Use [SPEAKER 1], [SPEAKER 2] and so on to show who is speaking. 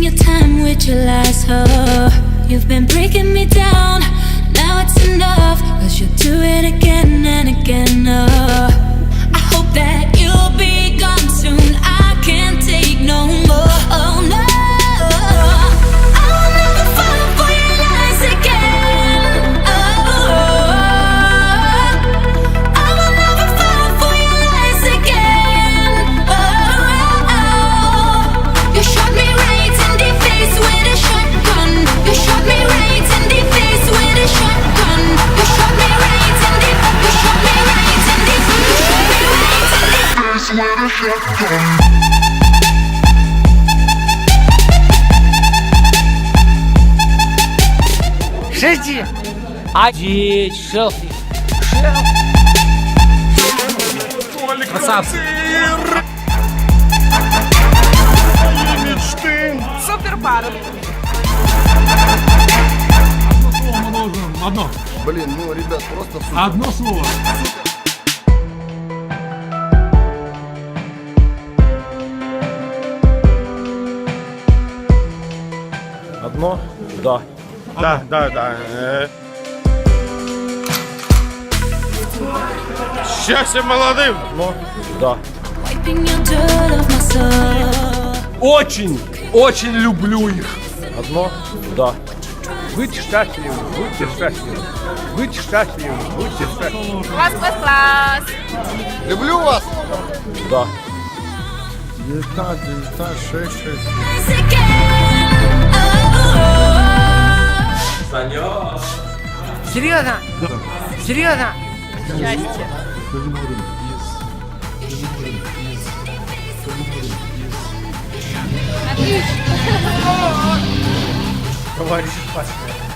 [SPEAKER 1] your time with your lies, oh. You've been breaking me down, now it's enough, 'cause you'll do it again and again, oh. I hope that you'll be gone soon, I can't take no more, oh no. I'll never fall for your lies again, oh. I will never fall for your lies again, oh. You shot me right in the face with a shotgun. You shot me right in the face with a shotgun. You shot me right in the, you shot me right in the, you shot me right in the face with a shotgun.
[SPEAKER 2] Шести. Один. Шелфи. Красавцы.
[SPEAKER 3] Супер пара.
[SPEAKER 4] Одно.
[SPEAKER 5] Блин, ну, ребят, просто супер.
[SPEAKER 4] Одно слово.
[SPEAKER 6] Одно? Да. Да. Счастье молодым! Одно? Да.
[SPEAKER 1] Wiping your dirt off my soul.
[SPEAKER 4] Очень люблю их.
[SPEAKER 6] Одно? Да.
[SPEAKER 2] Будьте счастливы, будьте счастливы. Будьте счастливы, будьте счастливы.
[SPEAKER 3] Класс.
[SPEAKER 5] Люблю вас!
[SPEAKER 6] Да.
[SPEAKER 5] 19, 6.
[SPEAKER 1] Lies again, oh.
[SPEAKER 2] Серьезно? Серьезно?
[SPEAKER 3] Счастье.
[SPEAKER 2] Товарищ Пашка.